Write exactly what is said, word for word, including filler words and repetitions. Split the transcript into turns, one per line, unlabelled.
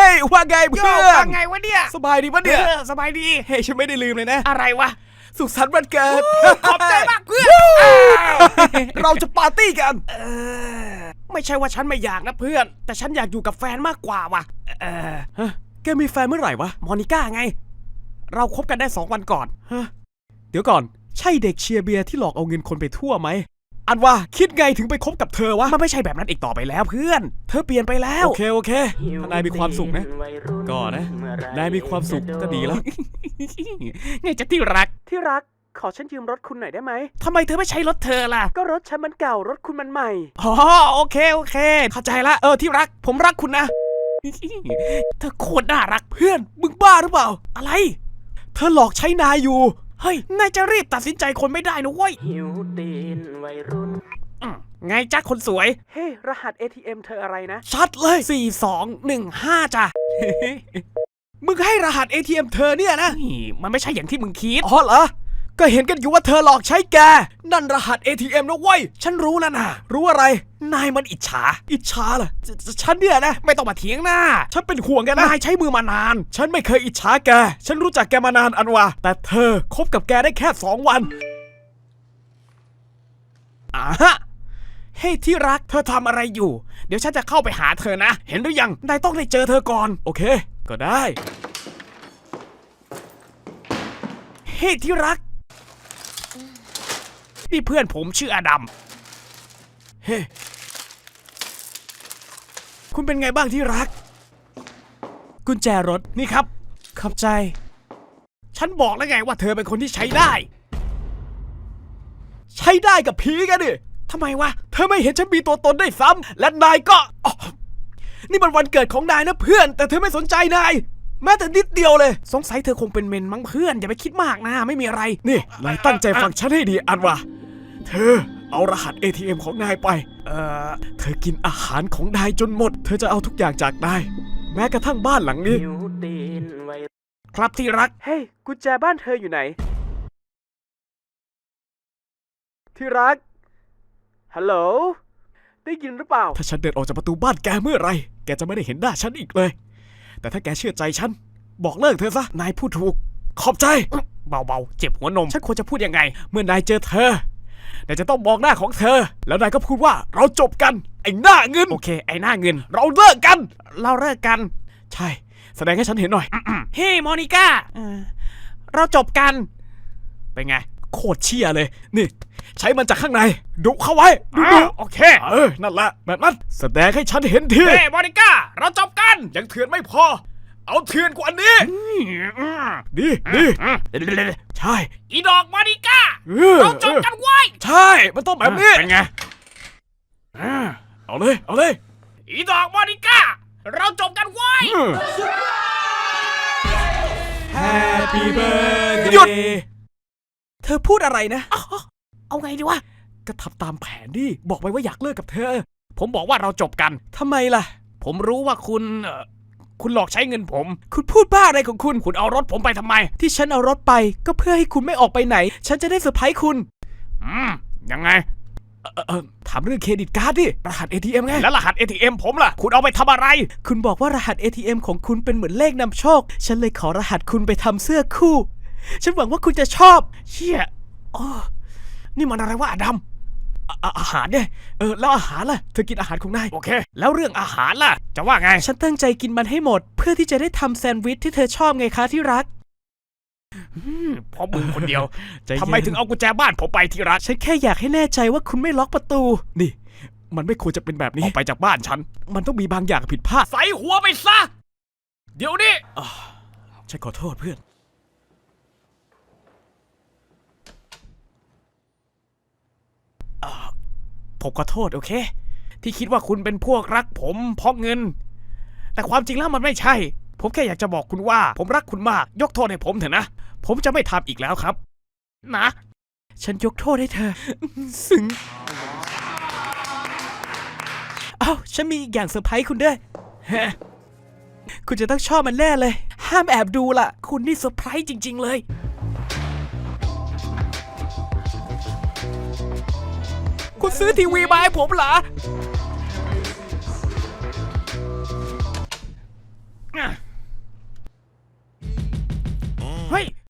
ฮ้ยว่าไงเพื่อน
ว่าไงวะเนี่ย
สบายดีปะเนี่ย
สบายดี
เฮ้ยฉันไม่ได้ลืมเลยนะ
อะไรวะ
สุขสันต์วันเกิด
ขอบใจมากเพื่อน
เราจะปาร์ตี้กัน
ไม่ใช่ว่าฉันไม่อยากนะเพื่อนแต่ฉันอยากอยู่กับแฟนมากกว่าว่ะ
เออฮะแกมีแฟนเมื่อไหร่วะ
มอนิก้าไงเราคบกันได้สองวันก่อน
ฮะเดี๋ยวก่อนใช่เด็กเชียร์เบียร์ที่หลอกเอาเงินคนไปทั่วไหมอันว่าคิดไงถึงไปคบกับเธอวะ
มันไม่ใช่แบบนั้นอีกต่อไปแล้วเพื่อนเธอเปลี่ยนไปแล้ว
โอเคโอเคถ้านายมีความสุขนะก็นะนายมีความสุขก็ดีแล้ว
ไงจะที่รัก
ที่รักขอฉันยืมรถคุณหน่อยได้ไหม
ทำไมเธอไม่ใช้รถเธอล่ะ
ก็รถฉันมันเก่ารถคุณมันใหม่
อ๋อโอเคโอเคเข้าใจละเออที่รักผมรักคุณนะเธอโคตรน่ารัก
เพื่อนมึงบ้าหรือเปล่า
อะไร
เธอหลอกใช้นายอยู่
เฮ้ยนายจะรีบตัดสินใจคนไม่ได้นะเว้ย
หิวตีนวัยรุ่น
ไงจ๊ะคนสวย
เฮ้รหัส เอ ที เอ็ม เธออะไรนะ
ชัดเลยสี่สองหนึ่งห้าจ้ะ
มึงให้รหัส เอ ที เอ็ม เธอเนี่ยนะ
นี่มันไม่ใช่อย่างที่มึงคิด
อ๋อเหรอก็เห็นกันอยู่ว่าเธอหลอกใช้แกนั่นรหัส เอ ที เอ็ม นะเว้ย
ฉันรู้แล้วนะ
รู้อะไร
นายมันอิจฉา
อิจฉาเหรอฉันเนี่ยนะ
ไม่ต้องมาเถียงหน้า
ฉันเป็นห่วงแกนะ
นายใช้มือมานาน
ฉันไม่เคยอิจฉาแกฉันรู้จักแกมานานอันวะแต่เธอคบกับแกได้แค่สองวัน
อ่าฮะเฮ้ยที่รักเธอทำอะไรอยู่เดี๋ยวฉันจะเข้าไปหาเธอนะเห็นหรือยังนายต้องได้เจอเธอก่อน
โอเคก็ได้
เฮ้ยที่รักนี่เพื่อนผมชื่ออดัม
เฮ้คุณเป็นไงบ้างที่รักกุญแจรถ
นี่ครับ
ขอบใจ
ฉันบอกแล้วไงว่าเธอเป็นคนที่ใช้ได้
ใช้ได้กับผีกันดิ
ทำไมวะ
เธอไม่เห็นฉันมีตัวตนได้ซ้ำและนายก็นี่มันวันเกิดของนายนะเพื่อนแต่เธอไม่สนใจนายแม้แต่นิดเดียวเลย
สงสัยเธอคงเป็นเมนมั้งเพื่อนอย่าไปคิดมากนะไม่มีอะไร
นี่นายตั้งใจฟังฉันให้ดีอันวะเธอเอารหัส เอ ที เอ็ม ของนายไป
เอ่อ
เธอกินอาหารของนายจนหมดเธอจะเอาทุกอย่างจากนายแม้กระทั่งบ้านหลังนี้
ครับที่รัก
เฮ้ยกุญแจบ้านเธออยู่ไหนที่รักฮัลโหลได้ยินหรือเปล่าถ้าฉันเดินออกจากประตูบ้านแกเมื่อไรแกจะไม่ได้เห็นหน้าฉันอีกเลยแต่ถ้าแกเชื่อใจฉันบอกเลิกเธอซะนายพูดถูกขอบใจ
เบาๆเจ็บหัวนมฉันควรจะพูดยังไง
เมื่อนายเจอเธอนายจะต้องมองหน้าของเธอแล้วนายก็พูดว่าเราจบกันไอ้หน้าเงิน
โอเคไอ้หน้าเงิน
เราเลิกกัน
เราเลิกกัน
ใช่แสดงให้ฉันเห็นหน่อย
เฮ้มอนิก้าเราจบกัน
เป็นไงโคตรเชี่ยเลยนี่ใช้มันจากข้างในดุเข้าไว้
ดุดุโอเค
เออนั่นแหละแบบนั้นแสดงให้ฉันเห็นที
เฮ้มอนิก้าเราจบกัน
ยังเถื่อนไม่พอเอาเถื่อนกว่านี้ดีดีใช่
อีดอกมอนิก้าเราจบกันไว้
ใช่มันต้องแบบนี้
เป็นไง
เอาเลยเอาเลย
อีดอกมอนิก้าเราจบกันไว้
Happy birthday หยุดเธอพูดอะไรนะ
เอาไงดีวะ
ก็ทำตามแผนดิบอกไว้ว่าอยากเลิกกับเธอ
ผมบอกว่าเราจบกัน
ทำไมล่ะ
ผมรู้ว่าคุณคุณหลอกใช้เงินผม
คุณพูดบ้าอะไรของคุณ
คุณเอารถผมไปทำไม
ที่ฉันเอารถไปก็เพื่อให้คุณไม่ออกไปไหนฉันจะได้เซอร์ไพรส์คุณ
อืมยังไง
เออเออถามเรื่องเครดิตการ์ดดิรหัส เอ ที เอ็ม ไง
แล้วรหัส เอ ที เอ็ม ผมล่ะคุณเอาไปทำอะไร
คุณบอกว่ารหัส เอ ที เอ็ม ของคุณเป็นเหมือนเลขนำโชคฉันเลยขอรหัสคุณไปทำเสื้อคู่ฉันหวังว่าคุณจะชอบ
เชี่ยอ๋อนี่มันอะไรวะอดัม
อาหารเนี่ยเออแล้วอาหารล่ะเธอกินอาหารของนาย
โอเคแล้วเรื่องอาหารล่ะจะว่าไง
ฉันตั้งใจกินมันให้หมดเพื่อที่จะได้ทำแซนด์วิชที่เธอชอบไงคะที่รัก
เพราะมึงคนเดียวทำไมถึงเอากุญแจบ้านผมไปที่รัก
ฉันแค่อยากให้แน่ใจว่าคุณไม่ล็อกประตูนี่มันไม่ควรจะเป็นแบบนี้
ออกไปจากบ้านฉัน
มันต้องมีบางอย่างผิดพลาด
ใส่หัวไปซะเดี๋ยวนี้
ฉันขอโทษเพื่อน
ผมขอโทษโอเคที่คิดว่าคุณเป็นพวกรักผมเพราะเงินแต่ความจริงแล้วมันไม่ใช่ผมแค่อยากจะบอกคุณว่าผมรักคุณมากยกโทษให้ผมเถอะนะผมจะไม่ทำอีกแล้วครับนะ
ฉันยกโทษให้เธอซึ้งเอ้าฉันมีอีกอย่างเซอร์ไพรส์คุณด้วยคุณจะต้องชอบมันแน่เลยห้ามแอบดูล่ะ
คุณนี่เซอร์ไพรส์จริงๆเลยคุณซื้อทีวีมาให้ผมเหรอเฮ้ย